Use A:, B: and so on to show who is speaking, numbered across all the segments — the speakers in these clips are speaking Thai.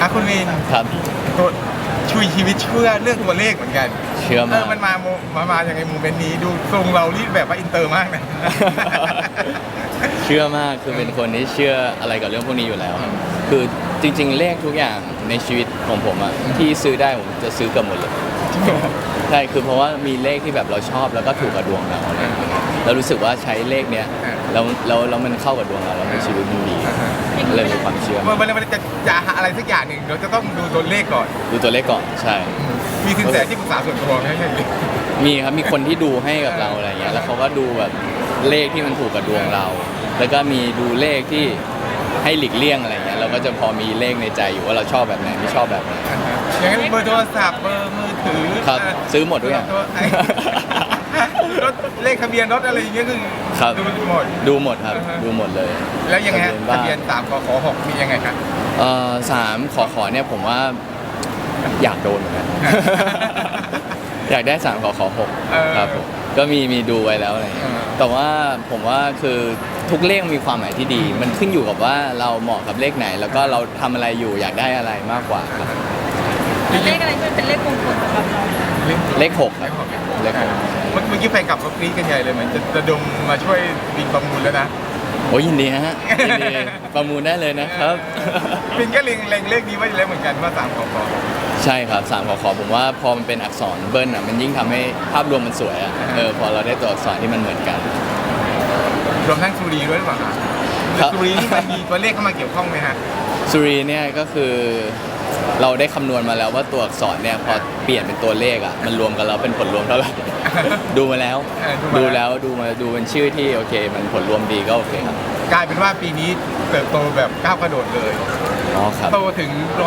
A: คุณวิน
B: ครับ
A: ตัวชุยชีวิตเชื่อเรื่องตัวเลขเหมือนกัน
B: เชื่อมาก
A: มันมาอย่างไงโมเมนต์นี้ดูทรงเรารีดแบบว่าอินเตอร์มากนะ
B: เชื่อมากคือเป็นคนที่เชื่ออะไรกับเรื่องพวกนี้อยู่แล้วครับคือจริงๆเลขทุกอย่างในชีวิตของผมอะที่ซื้อได้ผมจะซื้อเกับหมดเลยใช่คือเพราะว่ามีเลขที่แบบเราชอบแล้วก็ถูกกับดวงเราอะไรอย่างเงี้ยเรารู้สึกว่าใช้เลขเนี้ยแล้วมันเข้ากับดวงเราแล้วชีวิตมันดีเลยมีความเชื่อ
A: มันจะหาอะไรสักอย่างหนึ่งเราจะต้องดูตัวเลขก่อน
B: ดูตัวเลขก่อนใช่
A: มีสินแสที่ปรึกษาส่วนตัวไหมใช่ไหม
B: มีครับมีคนที่ดูให้กับเราอะไรเงี้ยแล้วเขาก็ดูแบบเลขที่มันถูกกับดวงเรา แล้วก็มีดูเลขที่ให้หลีกเลี่ยงอะไรเงี้ยเราก็จะพอมีเลขในใจอยู่ว่าเราชอบแบบไหนไม่ชอบแบบไหน
A: อย่างนั้นเบอร์โทรศัพท์เบอร์มือถือ
B: ครับซื้อหมดด้วย
A: รถเลขทะเบียนรถอะไรอย่างเงี้ยคือดูหมด
B: ครับดูหมดเลย
A: แล้วยังไงทะเบียน3ขอ6มียังไงครับ
B: 3ขอเนี่ยผมว่าอยากโดนเหมือนกันอยากได้3ขอ6ครับผมก็มีดูไว้แล้วอะไรแต่ว่าผมว่าคือทุกเลขมีความหมายที่ดี มันขึ้นอยู่กับว่าเราเหมาะกับเลขไหน แล้วก็เราทำอะไรอยู่อยากได้อะไรมากกว่าครับ
C: เลขอะไรเป็นเลขมงคลสำหรับเรา
B: เลข6เลข
A: 6เมื่อกี้แฟนกลับก็กรี๊ดกันใหญ่เลยเหมือนจะระดมมาช่วยบินประมูลแล้วนะ
B: โอ้ยินดีฮะยินดีประมูลได้เลยนะครับ
A: บินก็เล็งเลขนี้ไว้แล้วเหมือนกันว่า3ขอ
B: ใช่ครับ3ขอผมว่าพอมันเป็นอักษรเบิ้ลอ่ะมันยิ่งทำให้ภาพรวมมันสวยอ่ะพอเราได้ตัวอักษรที่มันเหมือนกัน
A: รวมทั้งสุรีด้วยหรือเปล่าครับสุรีนี่มันมีตัวเลขเข้ามาเกี่ยวข้องไหมฮะ
B: สุรีเนี่ยก็คือเราได้คำนวณมาแล้วว่าตัวอักษรเนี่ยพอเปลี่ยนเป็นตัวเลขอ่ะมันรวมกันแล้วเป็นผลรวมเท่าไหร่ดูมาแล้วดูเป็นชื่อที่โอเคมันผลรวมดีก็โอเคครับ
A: กลายเป็นว่าปีนี้เติบโตแบบก้าวกระโดดเลย
B: ครับ
A: โตถึง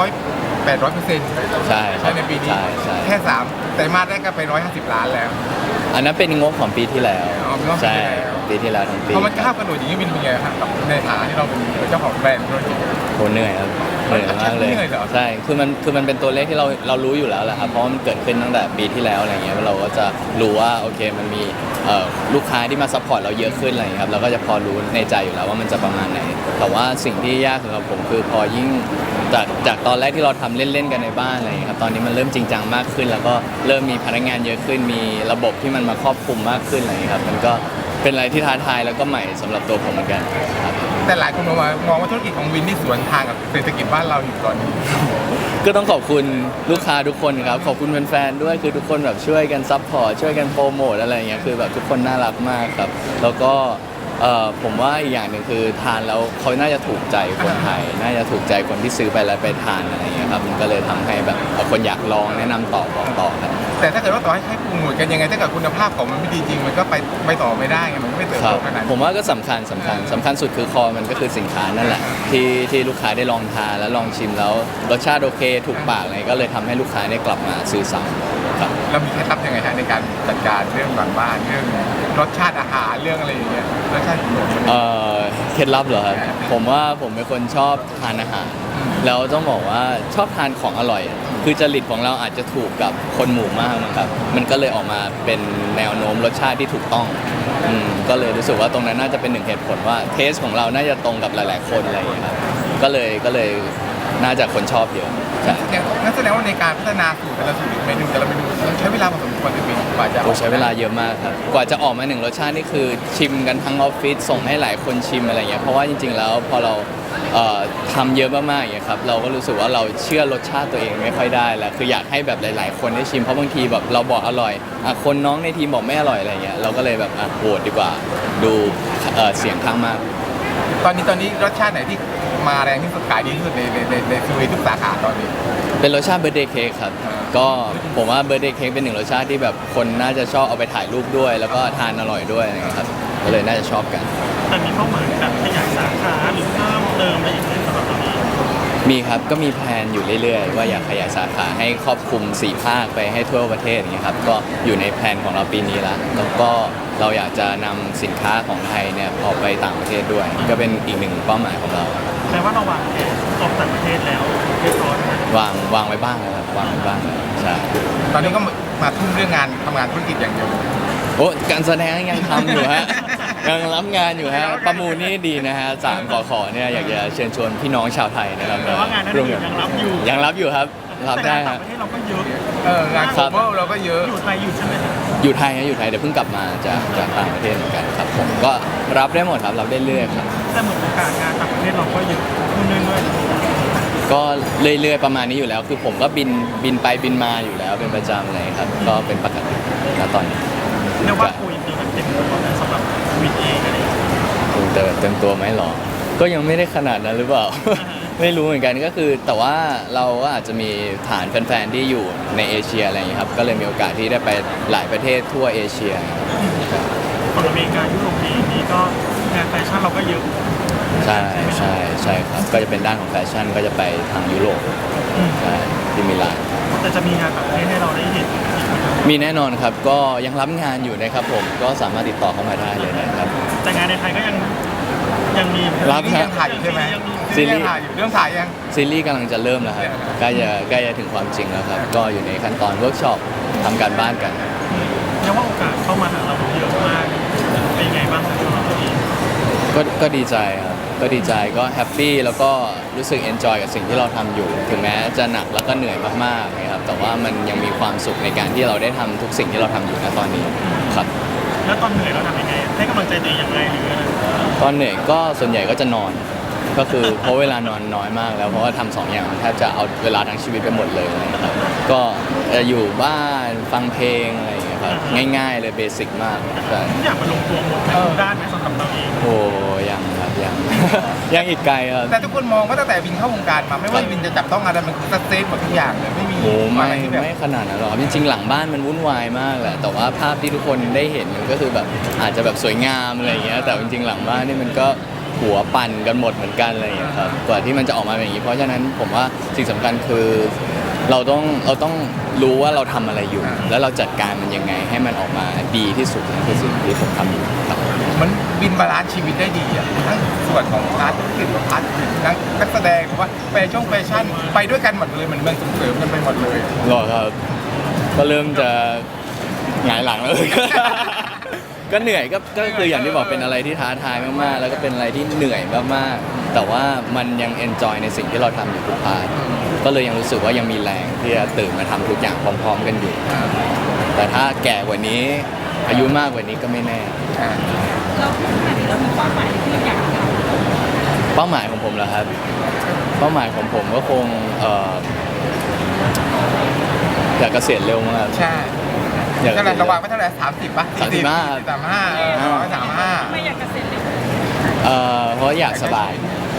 A: 800%ใช่ในปีนี้แค่3แต่มาได้ก็ไป150 ล้านแล้ว
B: อันนั้นเป็นงบของปีที่แล้วใช่ปีที่แล้วทั้งปี
A: พอมันก้าวกระโดดอย่างนี้เป็นไงครับกับในฐานะที่เราเป็นเจ้าของแบรนด์ธุรกิจ
B: โหเหนื่อยครับเหนื่อยมากเลยใช่คือมันเป็นตัวเลขที่เรารู้อยู่แล้วแหละครับเพราะมันเกิดขึ้นตั้งแต่ปีที่แล้วอะไรเงี้ยเราก็จะรู้ว่าโอเคมันมีลูกค้าที่มาซัพพอร์ตเราเยอะขึ้นอะไรครับเราก็จะพอรู้ในใจอยู่แล้วว่ามันจะประมาณไหนแต่ว่าสิ่งที่ยากสำหรับผมคือพอยิ่งจากตอนแรกที่เราทำเล่นๆกันในบ้านอะไรครับตอนนี้มันเริ่มจริงจังมากขึ้นแล้วก็เริ่มมีพนักงานเยอะขึ้นมีระบบที่มันมาครอบคลุมมากขึ้นอะไรครับมันก็เป็นอะไรที่ท้าทายแล้วก็ใหม่สำหรับตัวผมเหมือนกันครับ
A: แต่หลายคนมองว่าธุรกิจของวินนี่สวนทางกับเศรษฐกิจบ้านเราอยู่ตอนนี้
B: ก็ต้องขอบคุณลูกค้าทุกคนครับขอบคุณแฟนๆด้วยคือทุกคนแบบช่วยกันซัพพอร์ตช่วยกันโปรโมทอะไรอย่างเงี้ยคือแบบทุกคนน่ารักมากครับแล้วก็ผมว่าอีกอย่างหนึ่งคือทานแล้วเขาน่าจะถูกใจคนไทยน่าจะถูกใจคนที่ซื้อไปแล้วไปทานอะไรอย่างเงี้ยครับมันก็เลยทำให้แบบคนอยากลองแนะนำต่อบอกต่อครับ
A: แต่ถ้าเกิดว่าต่อให้โปรโมทกันยังไงถ้าเกิดคุณภาพของมันไม่ดีจริงมันก็ไปต่อไม่ได้ไงมันก็ไม่เติบโตขนาด
B: ผมว่าก็สำคัญสุดคือคอมันก็คือสินค้านั่นแหละที่ลูกค้าได้ลองทานแล้วลองชิมแล้วรสชาติโอเคถูกปากอะไรก็เลยทำให้ลูกค้าได้กลับมาซื้อซ้ำครับ
A: เรามีเคล็ดลับยังไงฮะในการจัดการเรื่องบ้านเรื่องรสชาติอาหารเรื่องอะไรอย่างเงี้ยรสชาติ
B: เคล็ดลับเหรอครับผมว่าผมเป็นคนชอบทานอาหารแล้วต้องบอกว่าชอบทานของอร่อยคือจริตของเราอาจจะถูกกับคนหมู่มากนะครับมันก็เลยออกมาเป็นแนวโน้มรสชาติที่ถูกต้องก็เลยรู้สึกว่าตรงนั้นน่าจะเป็นหนึ่งเหตุผลว่าเทสของเราน่าจะตรงกับหลายๆคนอะไรอย่างเงี้ยครับก็เลยน่าจะคนชอบเยอะ
A: นั่นแสดงว่าในการพัฒนาสูตรแต่ละสูตรเมนูใช้เวลาพอสมควรเลยกว่าจะ
B: ใช้เวลาเยอะมากครับกว่าจะออกมาหนึ่งรสชาตินี่คือชิมกันทั้งออฟฟิศส่งให้หลายคนชิมอะไรเงี้ยเพราะว่าจริงๆแล้วพอเราทำเยอะมากๆอย่างเงี้ยครับเราก็รู้สึกว่าเราเชื่อรสชาติตัวเองไม่ค่อยได้แล้วคืออยากให้แบบหลายๆคนได้ชิมเพราะบางทีแบบเราบอกอร่อยคนน้องในทีมบอกไม่อร่อยอะไรเงี้ยเราก็เลยแบบโหวตดีกว่าดูเสียงข้างมาก
A: ตอนนี้รสชาติไหนที่มาแรงที่สุดขายดีที่สุดในซูวีทุกสาขาตอนนี้
B: เป็นรสชาติเบอร์เดย์เค้กครับก็ผมว่าเบอร์เดย์เค้กเป็นหนึ่งรสชาติที่แบบคนน่าจะชอบเอาไปถ่ายรูปด้วยแล้วก็ทานอร่อยด้วยนะครับก็เลยน่าจะชอบกัน
C: แต่มีเป้าหมายแบบขยายสาขาหรือเพิ่มเติมอะไรอย่างเงี้ยสำหรับเรา
B: มีครับก็มีแพลนอยู่เรื่อยๆว่าอยากขยายสาขาให้ครอบคลุม4ภาคไปให้ทั่วประเทศอย่างเงี้ยครับก็อยู่ในแพลนของเราปีนี้แล้วก็เราอยากจะนำสินค้าของไทยเนี่ยออกไปต่างประเทศด้วยก็เป็นอีกหนึ่งเป้าหมายของเรา
C: แปลว่าเราวางแผนออกต่างประเทศแล้วเรียบร้อยนะ
B: วางไว้บ้างครับวางไว้บ้างใช่
A: ตอนนี้ก็มาทุ่มเรื่องงานทำงานธุรกิจอย่างเดียว
B: โอ้การแสดงยังทำอยู่ฮะยังรับงานอยู่ฮะประมูลนี่ดีนะฮะ3 ขอเนี่ยอยากจะเชิญชวนพี่น้องชาวไทยนะครับ
C: แต่ว่างานนั้นอยู่ยังรับอยู่
B: ยังรับอยู่ครับรับได้
C: แต่
B: ฮะ
C: งานต่างประเทศเราก็เยอะ
A: งานโคเวอร์เราก็เยอะ
C: อยู่ไทยอยู่ใช่ไหมครับ
B: อยู่ไทยฮะอยู่ไทยเดี๋ยวเพิ่งกลับมาจากต่างประเทศเหมือนกันครับผมก็รับได้หมดครับรับได้เรื่อยครับ
C: แต่เหมือนโอกาสงานต่างประเทศเราก็เยอะขึ้นเรื่อย
B: ก็เรื่อยๆประมาณนี้อยู่แล้ว คือผมก็บินไปบินมาอยู่แล้วเป็นประจำเลยครับก็เป็นปกติณตอนนี้
C: ๆเรียกว่าคุยปีกันเต็มตัวนะสำหรับวินเองอะไรอย่างเงี้ย
B: เต็มตัวไหมหรอ ก็ยังไม่ได้ขนาดนั้นหรือเปล่า ไม่รู้เหมือนกันก็คือ แต่ว่าเราก็อาจจะมีฐานแฟนๆที่อยู่ในเอเชียอะไรอย่างนี้ยครับก็เลยมีโอกาสที่ได้ไปหลายประเทศทั่วเอเชีย
C: ฝั่งอเมริกายุโรปเองนี่ก็งานแฟชั่นเราก็เยอะ
B: ใช่ครับก็จะเป็นด้านของแฟชั่นก็จะไปทางยุโรป
C: อืม
B: ใช่ที่มิลาน
C: แต่จะมีงานต่างประเทศให้เราได้เห็น
B: มีแน่นอนครับก็ยังรับงานอยู่นะครับผมก็สามารถติดต่อเข้ามาได้เลยนะครับ
C: แต่งานในไทยก็ยังมี
B: รับ
A: นี่ยังถ่ายอยู่ใช่ไหม
B: ซีรีส์
A: ยังถ่ายอยู่เรื่องถ่ายยัง
B: ซีรีส์กำลังจะเริ่มแล้วครับใกล้จะถึงความจริงแล้วครับก็อยู่ในขั้นตอนเวิร์กช็อปทำการบ้านกัน
C: เรียกว่าโอกาสเข้ามาหาเราเยอะมากเป็นยังไงบ้างครับสำหรับตัวเอง
B: ก็ดีใจครับก็ดีใจก็แฮปปี้แล้วก็รู้สึกเอนจอยกับสิ่งที่เราทำอยู่ ถึงแม้จะหนักแล้วก็เหนื่อยมากๆนะครับแต่ว่ามันยังมีความสุขในการที่เราได้ทำทุกสิ่งที่เราทำอยู่ณตอนนี้ครับ
C: แล้วตอนเหนื่อยเราทำยังไงให้กำลังใจตัวเองยังไงหรืออะไร
B: ตอนเหนื่อยก็ส่วนใหญ่ก็จะนอน ก็คือเพราะเวลานอนน้อยมากแล้วเพราะว่าทำ2 อย่างมันแทบจะเอาเวลาทั้งชีวิตไปหมดเลยนะครับก็จะอยู่บ้านฟังเพลงอะไรอย่างเงี้ยครับง่ายๆเลยเบสิกมากใช่
C: ทุกอย่างมันลงตัวหมดทุกด้านไหมสำหรับเราเอง
B: โอ้ยังครับยัง ยังอีกไกลครับ
A: แต่ทุกคนมองว่าตั้งแต่วินเข้าวงการมาไม่ว่าวินจะจับต้องอะไรมันคือสเตทหมดทุกอย่างเลยไม่มี
B: โอ้ไม่
A: อะไรที่แบบ
B: ไม่ขนาดนั้นหรอกครับจริงๆหลังบ้านมันวุ่นวายมากแหละแต่ว่าภาพที่ทุกคนได้เห็นมันก็คือแบบอาจจะแบบสวยงามอะไรอย่างเงี้ยแต่จริงๆหลังบ้านนี่มันก็หัวปั่นกันหมดเหมือนกันอะไรอย่างเงี้ยครับกว่าที่มันจะออกมาเป็นอย่างนี้เพราะฉะนั้นผมว่าสิ่งสำคัญคือเราต้องรู้ว่าเราทำอะไรอยู่ แล้วเราจัดการมันยังไงให้มันออกมาดีที่สุดนั่นคือสิ่งที่ผมทำอยู่ครับ
A: มันวินบาลานซ์ชีวิตได้ดีอ่ะทั้งส่วนของพาร์ทธุรกิจกับพาร์ทอื่นทั้งนักแสดงหรือว่าแฟชั่นไปด้วยกันหมดเลยเหมือนมันส่งเสริมกันไปหมดเลย
B: หรอครับก็เริ่มจะหงายหลังแล้ว ก็เหนื่อยก็คืออย่างที่บอกเป็นอะไรที่ท้าทายมากๆ แล้วก็เป็นอะไรที่เหนื่อยมากๆ แต่ว่ามันยังเอนจอยในสิ่งที่เราทำอยู่ทุกพาร์ทก็เลยยังรู้สึกว่ายังมีแรงที่จะตื่นมาทำทุกอย่างพร้อม ๆ กันอยู่ แต่ถ้าแก่กว่านี้อายุมากกว่านี้ก็ไม่แน่
D: เราพูดขนาดนี้เรามีเป้าหมายที่เราอยากทำ
B: เป้าหมายของผมเหรอครับ เป้าหมายของผมก็คงอยากเกษียณเร็วมาก
A: ใช่
B: อยากเก
A: เท่าไห
B: ษี
A: ร่
B: ยณ
A: ระวังไม่เท่าไหร่30ป่ะ
B: 35
A: 35
D: ไม่อยากเกษียณเลย
B: เพราะอยากสบาย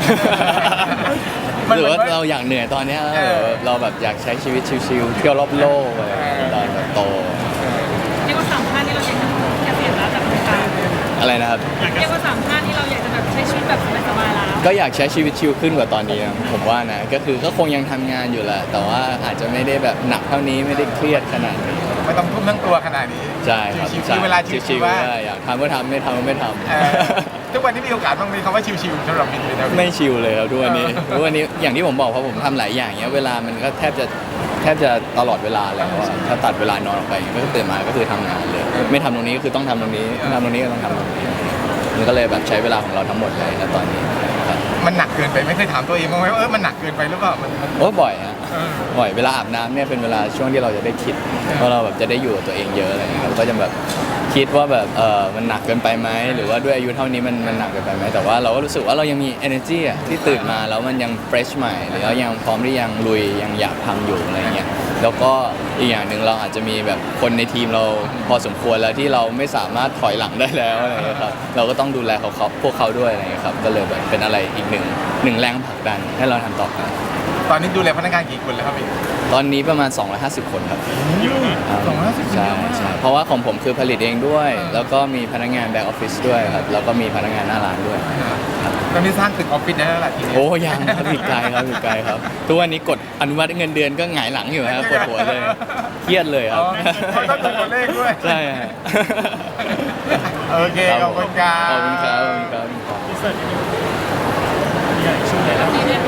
A: มัน
B: หรือว่า
A: เหมือน
B: เราอยากเหนื่อยตอนเนี้ย
A: เออ
B: เราแบบอยากใช้ชีวิตชิลๆเที่ยวรอบโลกอะไรตอนแบบโต
D: เรียกว่า3 ท่านที่เราอยากจะเกษียณแล้วจากวงการ
B: อะไรนะครับ
D: เรียกว่า3 ท่านที่เราอยากจะแบบใช้ชีวิตแบบสบายๆแล้ว
B: ก็อยากใช้ชีวิตชิลขึ้นกว่าตอนนี้นะผมว่านะก็คือก็คงยังทำงานอยู่แหละแต่ว่าอาจจะไม่ได้แบบหนักเท่านี้ไม่ได้เครียดขนาดนี้
A: ไม่ต้องทุ่มทั้งตัวขนาดนี้
B: ใช่ครับ
A: ชิว
B: ใช่
A: ๆเวลาชิ
B: ชิ
A: ว
B: ล
A: ๆ
B: ๆ
A: ว่า
B: ได้อยากทำก็ทำไม่ทำก็ไม่ทำ
A: ทุกวันนี้มีโอกาสบ้างมีคำว่าชิวๆสำหรับวินเลยนะ
B: ไม่ชิลเลยครับทุกวันนี้ทุกวันนี้อย่างที่ผมบอกเพราะผมทำหลายอย่างเนี้ยเวลามันก็แทบจะตลอดเวลาแล้วอะถ้าตัดเวลานอนออกไปก็ตื่นมาก็คือทำงานเลย ไม่ทำตรงนี้ก็คือต้องทำตรงนี้ทำตรงนี้ก็ต้องทำตรงนี้มันก็เลยแบบใช้เวลาของเราทั้งหมดเลยณตอนนี้ครับ
A: มันหนักเกินไปไม่เคยถามตัวเองบ้างไหมว่ามันหนักเกินไปหรือเปล่ามัน
B: โอ้บ่อยฮะ
A: เออ
B: บ่อยเวลาอาบน้ำเนี่ยเป็นเวลาช่วงที่เราจะได้คิดว่าเราแบบจะได้อยู่กับตัวเองเยอะอะไรอย่างเงี้ยครับก็จะแบบคิดว่าแบบมันหนักเกินไปไหมหรือว่าด้วยอายุเท่านี้มันหนักเกินไปไหมแต่ว่าเราก็รู้สึกว่าเรายังมี energy อะที่ตื่นมาแล้วมันยัง fresh ใหม่หรือว่ายังพร้อมที่ยังลุยยังอยากทำอยู่อะไรเงี้ยแล้วก็อีกอย่างหนึ่งเราอาจจะมีแบบคนในทีมเราพอสมควรแล้วที่เราไม่สามารถถอยหลังได้แล้วอะไรเงี้ยครับเราก็ต้องดูแลพวกเขาด้วยอะไรเงี้ยครับก็เลยแบบเป็นอะไรอีกหนึ่งแรงผลักดันให้เราทำต่อไป
A: ตอนนี้ดูแลพนักงานกี่คนแล้วครับพี่
B: ตอนนี้ประมาณ 250 คนครับ
C: เยอะนะ
A: 250
B: ใช่ใช่เพราะว่าของผมคือผลิตเองด้วย แล้วก็มีพนักงานแบ็กออฟฟิศด้วยครับ แล้วก็มีพนักงานหน้าร้านด้วย
A: ตอนนี้สร้างตึกออฟฟิศได้แล้วล่ะทีนี้
B: โอ้ยังครับอีกไกลครับอีกไกลครับ ทุกวันนี้กดอนุมัติเงินเดือนก็หงายหลังอยู่ครับปวดหัวเลย เครียดเลยครับ
A: เขาต้องดูตัวเลขด้วย
B: ใช่ฮะ
A: โอเคขอบคุณครับ
B: ขอบคุณครับขอบคุณครับ
C: พิเศษใหญ่ช่วยเลยนะ
D: นี่เนี่ย